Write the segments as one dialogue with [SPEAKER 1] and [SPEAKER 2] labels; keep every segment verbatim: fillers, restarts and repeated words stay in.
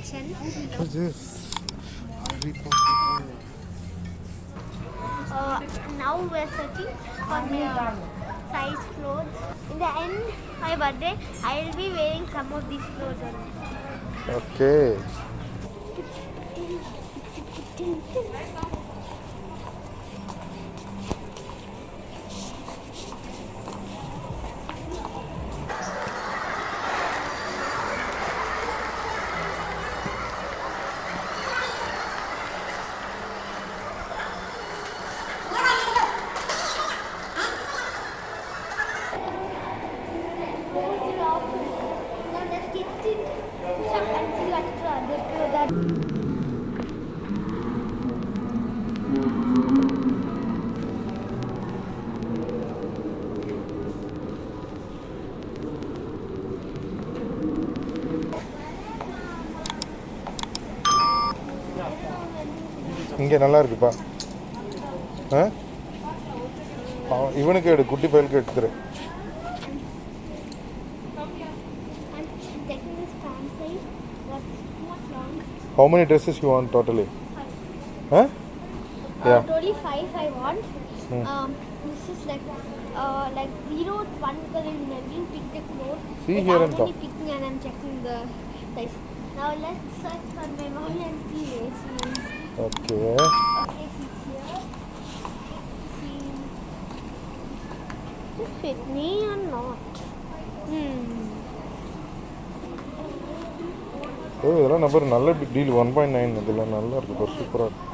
[SPEAKER 1] section.
[SPEAKER 2] What's this?
[SPEAKER 1] Uh, now we're searching for my size clothes. In the end, my birthday, I will be wearing some of these clothes only.
[SPEAKER 2] Okay.
[SPEAKER 1] Now let's get it. And see what to that.
[SPEAKER 2] இங்கே நல்லா இருக்குப்பா. ஆ இவனுக்கு எடு, குட்டி பையலுக்கு எடுத்துரு. How many dresses you want totally? Huh?
[SPEAKER 1] Yeah. Uh, totally five I want. Hmm. Um, this is like uh, like zero one because I didn't pick the clothes.
[SPEAKER 2] See
[SPEAKER 1] like
[SPEAKER 2] here
[SPEAKER 1] I'm
[SPEAKER 2] and come.
[SPEAKER 1] only picking and I'm checking the size. Now let's search for my mommy and see where she is.
[SPEAKER 2] Okay.
[SPEAKER 1] Okay, she's here. She does it fit me or not? Hmm.
[SPEAKER 2] ஓ இதெல்லாம் number நல்ல deal. One point nine இதெல்லாம் நல்லா இருக்கு, ஒரு சூப்பராக இருக்கு.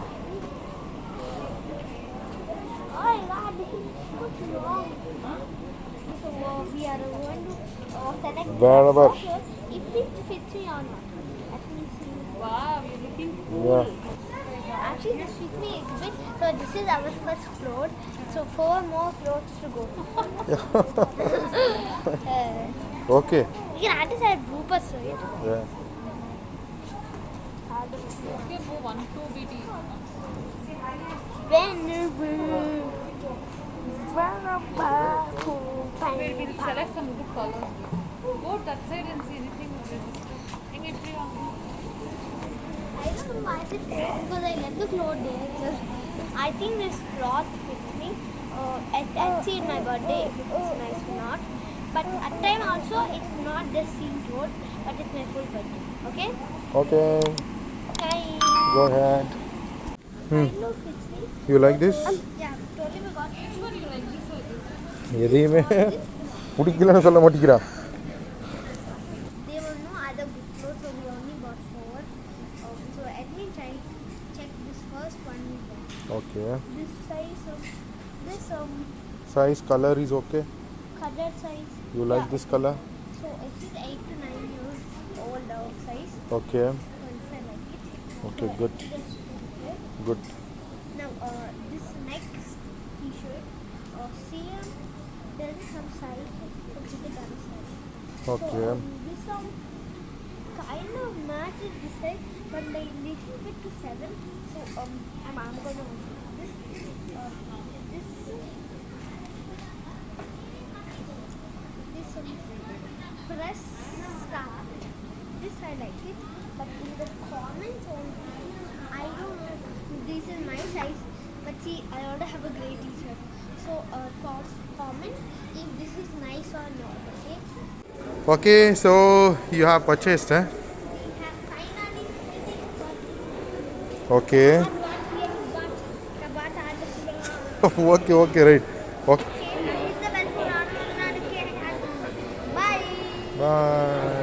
[SPEAKER 2] Wherever.
[SPEAKER 1] If it fits me or not. Let me see.
[SPEAKER 3] Wow, you're looking cool.
[SPEAKER 2] Yeah.
[SPEAKER 1] Actually, this fits me a bit. So this is our first floor. So four more floors to go. uh,
[SPEAKER 2] Okay.
[SPEAKER 1] We can add this as bloopers, right?
[SPEAKER 2] Yeah.
[SPEAKER 3] Okay, go one, two B T.
[SPEAKER 1] When
[SPEAKER 3] Wait, we'll select some good colors. Go that side and see anything. Hang it free on.
[SPEAKER 1] I don't know why it is because I left the cloth there. Because I think this cloth fits me. Uh, I, I'll see in my birthday if it's nice or not. But at time also, it's not the same cloth, but it's my full birthday. Okay?
[SPEAKER 2] Okay.
[SPEAKER 1] Bye.
[SPEAKER 2] Go ahead. Hmm.
[SPEAKER 1] I know fits me.
[SPEAKER 2] You like this?
[SPEAKER 1] Um, yeah, totally we got which one you like this or this?
[SPEAKER 2] எதையுமே பிடிக்கலன்னு சொல்ல மாட்டேங்கிறா.
[SPEAKER 1] There were no other good clothes, so we only got four. Um, so let me try check this first one we got.
[SPEAKER 2] Okay.
[SPEAKER 1] This size of this um
[SPEAKER 2] Size, color is okay?
[SPEAKER 1] color size.
[SPEAKER 2] You like
[SPEAKER 1] yeah.
[SPEAKER 2] this color?
[SPEAKER 1] So it is eight to nine years old uh, size.
[SPEAKER 2] Okay.
[SPEAKER 1] So if I like it.
[SPEAKER 2] Okay,
[SPEAKER 1] so
[SPEAKER 2] good.
[SPEAKER 1] Just okay.
[SPEAKER 2] Good.
[SPEAKER 1] Now uh, this next T-shirt, uh, same. There is some size. Let's get the other side.
[SPEAKER 2] Okay.
[SPEAKER 1] So, um, this um kind of matches this side, but like little bit to seven. So um, I'm, I'm gonna this uh, this this um, press start. This I like it, but in the comments only, I don't know. This is my size, but see, I already have a grey T-shirt. So uh, com- comment if this is nice or not. Okay.
[SPEAKER 2] Okay, so you have purchased, eh?
[SPEAKER 1] We have finally finished.
[SPEAKER 2] Okay.
[SPEAKER 1] But what we have got, the but are the
[SPEAKER 2] Okay, okay, right. Okay.
[SPEAKER 1] Hit the bell for on. Bye.
[SPEAKER 2] Bye.